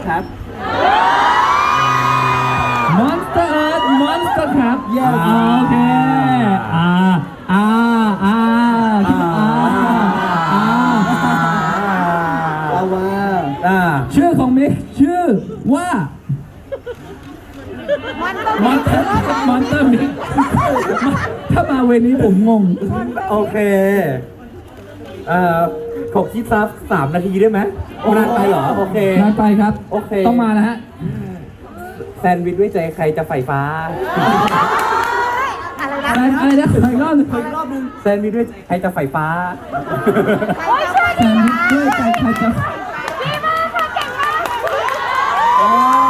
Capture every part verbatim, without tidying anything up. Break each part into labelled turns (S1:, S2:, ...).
S1: ครับ
S2: Monster Earth Monster ครับ
S1: Yes
S2: โอเคอ่าอ่าอ่าอ่าอ่า
S1: เอาว่า
S3: อ่า
S2: ชื่อของมิกชื่อว่า Monster Monster มิกถ้ามาเวนี้ผมงง
S3: โอเคเอ่อขอคิดซับสามนาทีได้ไหมนานไปเหรอ โอเคน
S2: านไปครับ
S3: โอเค
S2: ต้องมาแล้วฮะ
S3: แซนด์วิชด้วยใจใครจะไฟฟ้า
S2: อะไรนะอะไรนะขออีกรอบหนึง
S1: รอบนึง
S3: แซนด์วิชด้วยใครจะไฟฟ้า
S2: แซนด์วิชด้วยใจใครจะ
S1: อ๋อ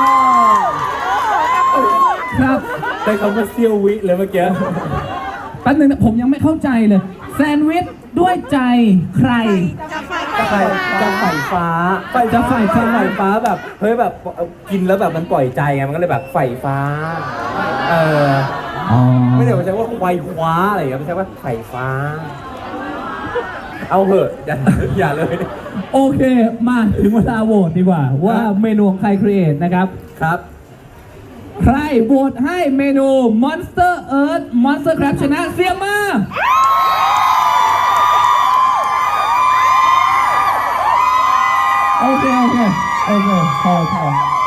S2: ครับ
S3: ได้คำว่าเซียววิเลยเมื่อกี้
S2: แป๊บนึงนะผมยังไม่เข้าใจเลย แซนด์วิชด้วยใจใคร
S3: จะไฟจะไฟฟ้า
S2: จะไฟฟ้า
S3: ไฟฟ้าแบบเฮ้ยแบบกินแล้วแบบมันปล่อยใจไงมันก็เลยแบบไฟฟ้า เออ
S2: อ๋อ
S3: ไม่ได้ว่าใช้ว่าไฟคว้าอะไรอย่างเงี้ยไม่ใช่ว่าไฟฟ้า เอาเหอะอย่าอย่าเลย
S2: โอเค มาถึงเวลาโหวตดีกว่า ว่าเมนูของใครครีเอทนะครับ
S3: ครับ
S2: ใครโหวตให้เมนู Monster Earth Monster Crab ชนะเสียงมา โอเค โอเค โอเค พอพอ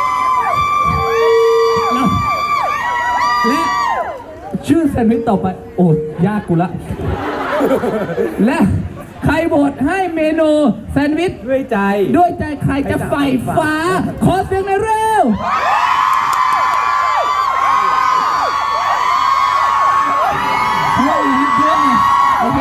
S2: แล้วและชื่อแซนด์วิชต่อไป โอ้ยากกูละ และใครโหวตให้เมนูแซนด์วิช
S3: ด้วยใจ
S2: ด้วยใจใครจะใฝ่ฟ้า ขอเสียงหน่อยเร็ว เพื่อนนะเพื่อนนะโอเค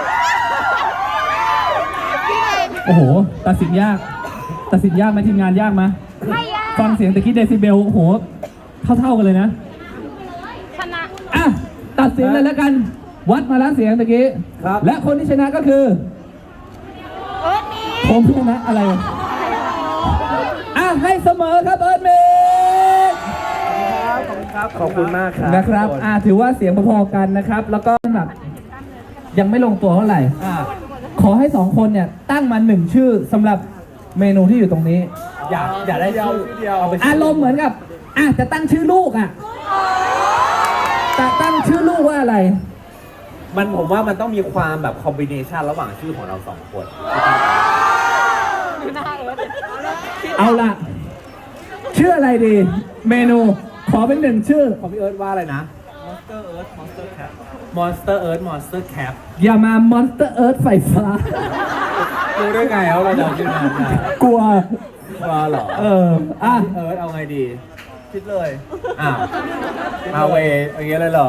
S2: โอ้โห ตัดสินยาก ตัดสินยากไหมทีมงานยากไหม
S4: ไม่ยาก
S2: ฟังเสียงตะกี้เดซิเบล โอ้โห เท่าๆกันเลยนะ
S4: ชนะ
S2: อ่ะ ตัดสินเลยแล้วกัน วัดมาแล้วเสียงตะกี้
S3: ครับ
S2: และคนที่ชนะก็คือ
S4: เอิร์ธมี
S2: ผมชนะอะไรวะอ่ะ ให้เสมอครับเอิร์ธเมก
S3: ครับขอบคุณมากครับ
S2: นะครับ อ่า ถือว่าเสียงพอๆกันนะครับ แล้วก็แบบยังไม่ลงตัวเท่าไหร่
S3: อ่า
S2: ขอให้สองคนเนี่ยตั้งมาหนึ่งชื่อสำหรับเมนูที่อยู่ตรงนี้
S3: อยากอยากได้ชื่อเดียวเอาไป
S2: อารมณ์เหมือนกับอ่ะจะตั้งชื่อลูกอ่ะจะตั้งชื่อลูกว่าอะไร
S3: มันผมว่ามันต้องมีความแบบคอมบิเนชันระหว่างชื่อของเราสองคน
S2: เอาล่ะ ชื่ออะไรดี เมนูขอเป็นหนึ่งชื่อ
S3: ของพี่เอิร์ธว่าอะไรนะ Monster Earth Monster Cap Monster Earth Monster Cap
S2: อย่ามาม Monster Earth ไฟฟ้า
S3: รู้ได้ไงเอาเราจะเอาชื่อนั้นนะ
S2: กลัว
S3: ว่าเหรอ
S2: เออ อ่ะ
S3: พี่เอิร์ธเอาไงดีคิดเลยอ้าวเอาเวอย่างเงี้ยเลยเหรอ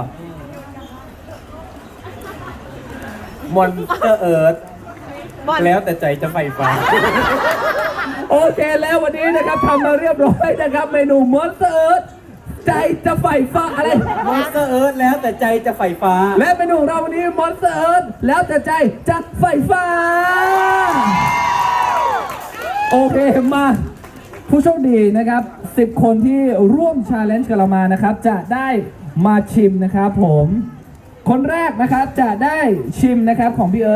S3: Monster Earth แล้วแต่ใจจะไฟฟ้า
S2: โอเคแล้ววันนี้นะครับทำมาเรียบร้อยนะครับ เมนู Monster Earth ใจจะไฟฟ้าอะไร
S3: Monster Earth แล้วแต่ใจจะไฟฟ้า
S2: และเมนูของเราวันนี้ Monster Earth แล้วแต่ใจจะไฟฟ้า โอเคมาผู้โชคดีนะครับสิบคนที่ร่วม Challenge กับเรามานะครับ จะได้มาชิมนะครับผม คนแรกนะครับจะได้ชิมนะครับของพี่เอิร์ธ